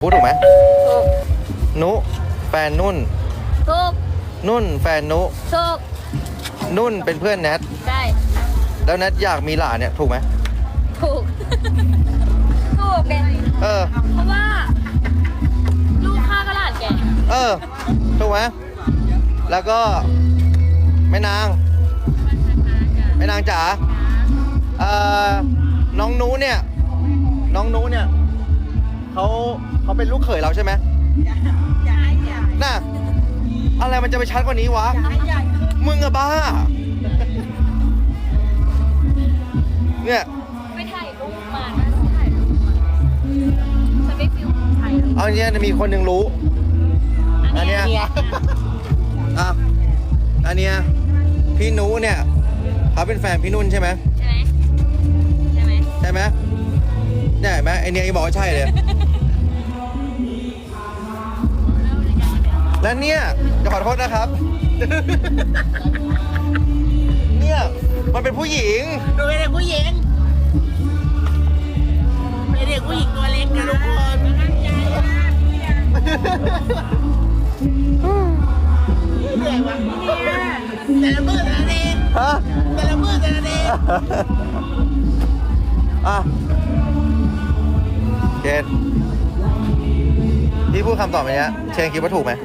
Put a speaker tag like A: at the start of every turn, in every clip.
A: พูดถูกไหม
B: ถูก
A: นุแฟนนุ่น
B: ถูก
A: นุ่นแฟนนุ
B: ถูก
A: นุ่นเป็นเพื่อนแนท
B: ใช่
A: แล้วแนทอยากมีหลานเนี่ยถูกไหม
B: ถูกถูกแก
A: เออ
B: เพราะว่าลูกข้าก็หลานแก
A: ถูกไหมแล้วก็แม่นางจ๋าน้องนู้เนี่ยเขาเป็นลูกเขยเราใช่ไหมน่ะอะไรมันจะไปชัดกว่านี้วะมึงอะบ้าเนี่ย
B: ไปถ่ายรูปมานะถ่ายรูปมาจะไปฟิลถ่าย
A: เอาเนี้ยมีคนหนึ่งรู้อันเนี้ยอันเนี้ยพี่นุเนี่ยเขาเป็นแฟนพี่นุ่นใช่ไหม
B: ใช่ไหม
A: เนี่ยเห็นไหมไอเนี้ยยังบอกว่าใช่เลยแล้วเนี่ยจะขอโทษนะครับเนี่ยมันเป็นผู้หญิง
C: ดูเป็นเด็กผู้หญิงเป็นเด็กผู้หญิงตัวเล็กนะทุกคนเหนื่อยวะแต่ละมือแต่ละเดย์แต่ละมือแต่ละเดย์
A: เจนพี่พูดคำตอบไปเนี้ยเชนคิดว่าถูกไหม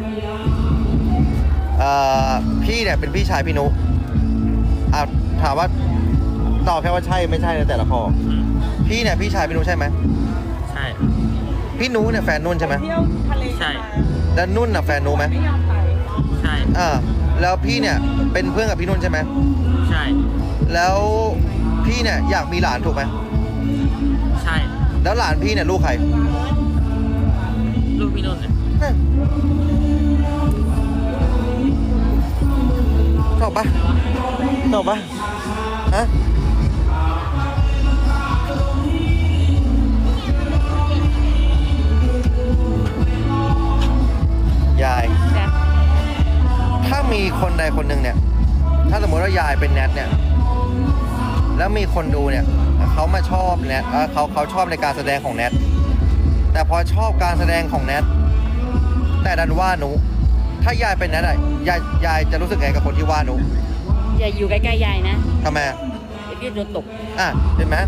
A: พี่เนี่ยเป็นพี่ชายพี่นุถามว่าตอบแค่ว่าใช่ไม่ใช่ในแต่ละข้อพี่เนี่ยพี่ชายพี่นุใช่ไหม
C: ใช่
A: พี่นุเนี่ยแฟนนุ่นใช่ไหม
C: ใช่
A: แล้วนุ่นน่ะแฟนนุไหม
C: ใช่
A: แล้วพี่เนี่ยเป็นเพื่อนกับพี่นุ่นใช่ไหม
C: ใช่
A: แล้วพี่เนี่ยอยากมีหลานถูกไหม
C: ใช่
A: แล้วหลานพี่เนี่ยลูกใคร
C: ลูกพี่นุ่นเนี่ย
A: ตอบปะฮะยายถ้ามีคนใดคนหนึ่งเนี่ยถ้าสมมติว่ายายเป็นแนทเนี่ยแล้วมีคนดูเนี่ยเขามาชอบแนทเขาชอบในการแสดงของแนทแต่พอชอบการแสดงของแนทแต่ดันว่าหนูถ้ายายเป็นแนทอะยายจะรู้สึกไงกับคนที่ว่าหนู
B: อย่าอยู่ใกล้ๆยายนะ
A: ทำไม
B: พี่โดนตก
A: เห็นไหม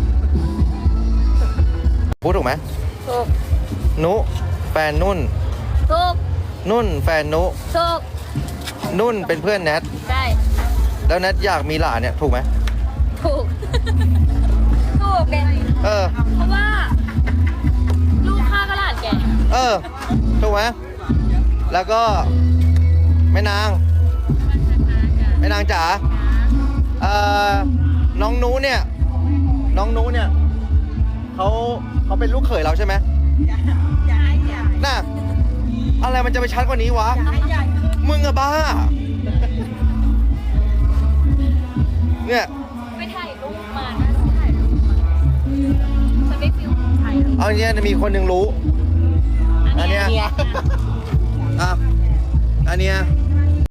A: พูดถูกไหม
B: ถูก
A: นุแฟนนุ่น
B: ถูก
A: นุ่นแฟนนุ
B: ถูก
A: นุ่นเป็นเพื่อนแนท
B: ใช่
A: แล้วแนทอยากมีหลานเนี่ยถูกไหม
B: ถูกแกเพราะว่าลูกข้าก็หลานแก
A: ถูกไหมแล้วก็แม่นางจ๋าน้องนู้เนี่ยเขาเป็นลูกเขยเราใช่ไหมน่ะอะไรมันจะไปชัดกว่านี้วะมึงอะบ้าเนี่ย
B: ไปถ่ายรูปมานะถ่ายรูปมาจะไปฟิลถ่าย
A: เอาเนี้ยมีคนหนึ่งรู้อันเนี้ย